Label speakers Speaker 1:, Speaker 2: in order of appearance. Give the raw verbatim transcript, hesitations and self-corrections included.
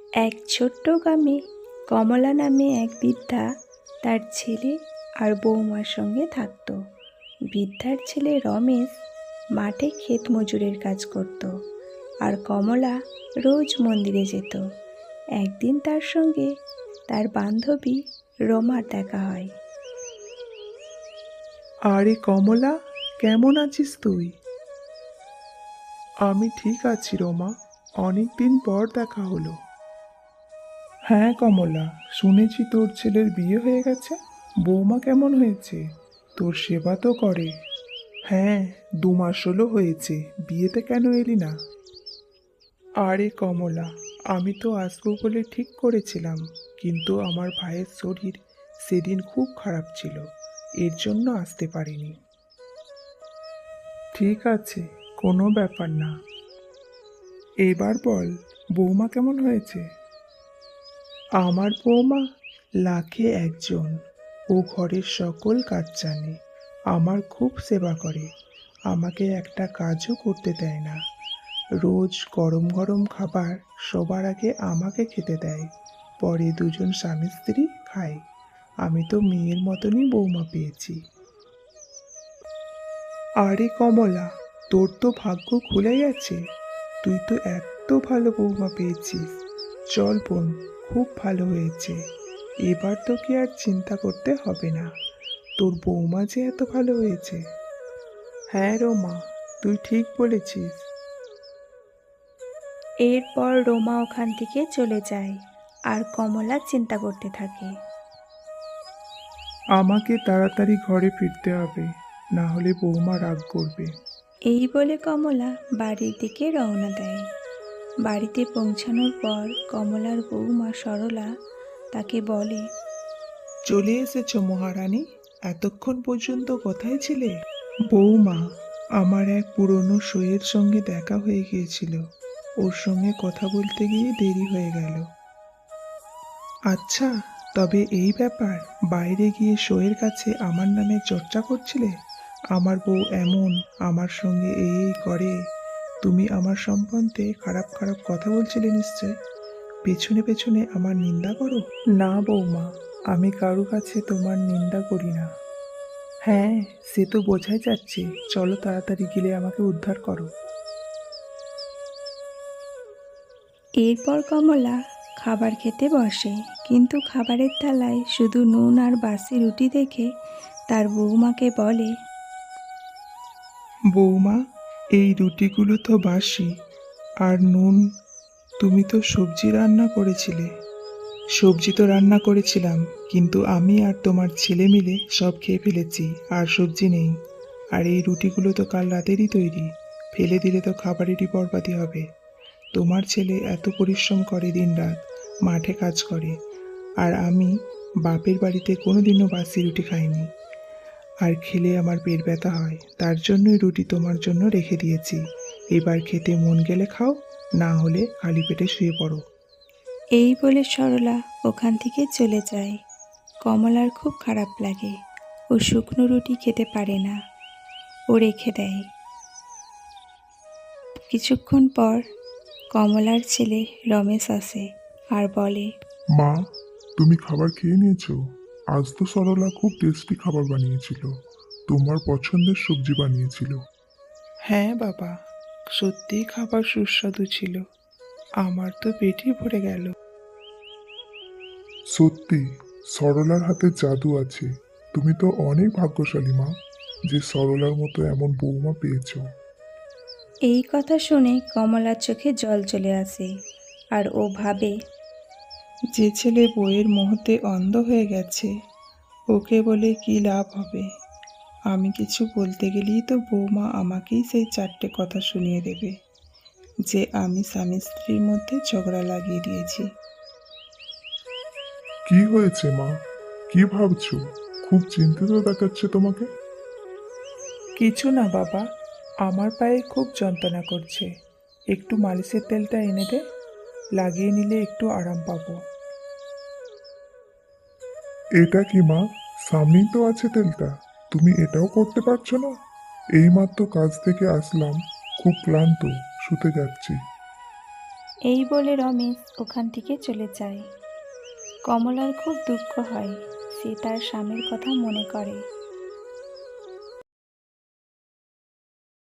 Speaker 1: এক ছোট্ট গ্রামে কমলা নামে এক বৃদ্ধা তার ছেলে আর বৌমার সঙ্গে থাকত। বৃদ্ধার ছেলে রমেশ মাঠে ক্ষেত মজুরের কাজ করত, আর কমলা রোজ মন্দিরে যেত। একদিন তার সঙ্গে তার বান্ধবী রমার দেখা হয়।
Speaker 2: আরে কমলা, কেমন আছিস তুই? আমি ঠিক আছি রমা, অনেক দিন পর দেখা হলো। হ্যাঁ কমলা, শুনেছি তোর ছেলের বিয়ে হয়ে গেছে। বৌমা কেমন হয়েছে? তোর সেবা তো করে। হ্যাঁ, দু মাস হলো হয়েছে। বিয়েতে কেন এলি না? আরে কমলা, আমি তো আসবো বলে ঠিক করেছিলাম, কিন্তু আমার ভাইয়ের শরীর সেদিন খুব খারাপ ছিল, এর জন্য আসতে পারিনি। ঠিক আছে, কোনো ব্যাপার না। এবার বল, বৌমা কেমন হয়েছে? আমার বৌমা লাখে একজন। ও ঘরের সকল কাজ জানে, আমার খুব সেবা করে, আমাকে একটা কাজও করতে দেয় না। রোজ গরম গরম খাবার সবার আগে আমাকে খেতে দেয়, পরে দুজন স্বামী স্ত্রী খায়। আমি তো মেয়ের মতনই বৌমা পেয়েছি। আরে কমলা, তোর তো ভাগ্য খুলে গেছে। তুই তো এত ভালো বৌমা পেয়েছিস। চল বোন, খুব ভালো হয়েছে। এবার তোকে আর চিন্তা করতে হবে না, তোর বৌমা যে এত ভালো হয়েছে। হ্যাঁ রোমা, তুই ঠিক বলেছিস।
Speaker 1: এরপর রমা ওখান থেকে চলে যায়, আর কমলা চিন্তা করতে থাকে।
Speaker 2: আমাকে তাড়াতাড়ি ঘরে ফিরতে হবে, না হলে বৌমা রাগ করবে।
Speaker 1: এই বলে কমলা বাড়ির দিকে রওনা দেয়। বাড়িতে পৌঁছানোর পর কমলার বৌমা সরলা তাকে বলে,
Speaker 2: চলে এসেছো মহারানী, এতক্ষণ পর্যন্ত কোথায় ছিলে? বৌমা, আমার এক পুরনো সইয়ের সঙ্গে দেখা হয়ে গিয়েছিল, ওর সঙ্গে কথা বলতে গিয়ে দেরি হয়ে গেল। আচ্ছা, তবে এই ব্যাপার, বাইরে গিয়ে সইয়ের কাছে আমার নামে চর্চা করছিলে, আমার বউ এমন, আমার সঙ্গে এই এই করে, তুমি আমার সম্বন্ধে খারাপ খারাপ কথা বলছিলে নিশ্চয়, পেছনে পেছনে আমার নিন্দা করো? না বৌমা, আমি কারো কাছে তোমার নিন্দা করি না। হ্যাঁ, সে তো বোঝাই যাচ্ছে। চলো তাড়াতাড়ি গেলে আমাকে উদ্ধার করো।
Speaker 1: এরপর কমলা খাবার খেতে বসে, কিন্তু খাবারের থালায় শুধু নুন আর বাসি রুটি দেখে তার বৌমাকে বলে,
Speaker 2: বৌমা, এই রুটিগুলো তো বাসি, আর নুন, তুমি তো সবজি রান্না করেছিলে। সবজি তো রান্না করেছিলাম, কিন্তু আমি আর তোমার ছেলে মিলে সব খেয়ে ফেলেছি, আর সবজি নেই। আর এই রুটিগুলো তো কাল রাতেরই তৈরি, ফেলে দিলে তো খাবারেরই বরবাদি হবে। তোমার ছেলে এত পরিশ্রম করে, দিনরাত মাঠে কাজ করে, আর আমি বাপের বাড়িতে কোনোদিনও বাসি রুটি খাইনি, আর খেলে আমার পেট ব্যথা হয়, তার জন্যই রুটি তোমার জন্য রেখে দিয়েছি। এবার খেতে মন গেলে খাও, না হলে খালি পেটে শুয়ে পড়ো।
Speaker 1: এই বলে সরলা ওখান থেকে চলে যায়। কমলার খুব খারাপ লাগে, ও শুকনো রুটি খেতে পারে না, ও রেখে দেয়। কিছুক্ষণ পর কমলার ছেলে রমেশ আসে আর বলে,
Speaker 3: মা, তুমি খাবার খেয়ে নিয়েছো? আজ তো সরলা খুব টেস্টি খাবার বানিয়েছিল, তোমার পছন্দের সবজি বানিয়েছিল।
Speaker 2: হ্যাঁ বাবা, সত্যিই খাবার সুস্বাদু ছিল, আমার তো পেটই ভরে গেল।
Speaker 3: সত্যি, সরলার হাতে জাদু আছে। তুমি তো অনেক ভাগ্যশালী মা, যে সরলার মতো এমন বৌমা পেয়েছো।
Speaker 1: এই কথা শুনে কমলার চোখে জল চলে আসে, আর ও ভাবে,
Speaker 2: যে ছেলে বইয়ের মোহতে অন্ধ হয়ে গেছে, ওকে বলে কি লাভ হবে? আমি কিছু বলতে গেলেই তো বৌমা আমাকেই সেই চারটে কথা শুনিয়ে দেবে, যে আমি স্বামী স্ত্রীর মধ্যে ঝগড়া লাগিয়ে দিয়েছি।
Speaker 3: কি হয়েছে মা? কি ভাবছো? খুব চিন্তিত দেখাচ্ছে তোমাকে।
Speaker 2: কিছু না বাবা, আমার পায়ে খুব যন্ত্রণা করছে, একটু মালিশের তেলটা এনে দে, লাগিয়ে নিলে একটু আরাম পাবো।
Speaker 3: এটা কি মা? সামনেই তো আছে তেলটা, তুমি এটাও করতে পারছো না? এইমাত্র কাজ থেকে আসলাম, খুব ক্লান্ত, শুতে যাচ্ছি।
Speaker 1: এই বলে রমেশ ওখান থেকে চলে যায়। কমলার খুব দুঃখ হয়, সে তার স্বামীর কথা মনে করে।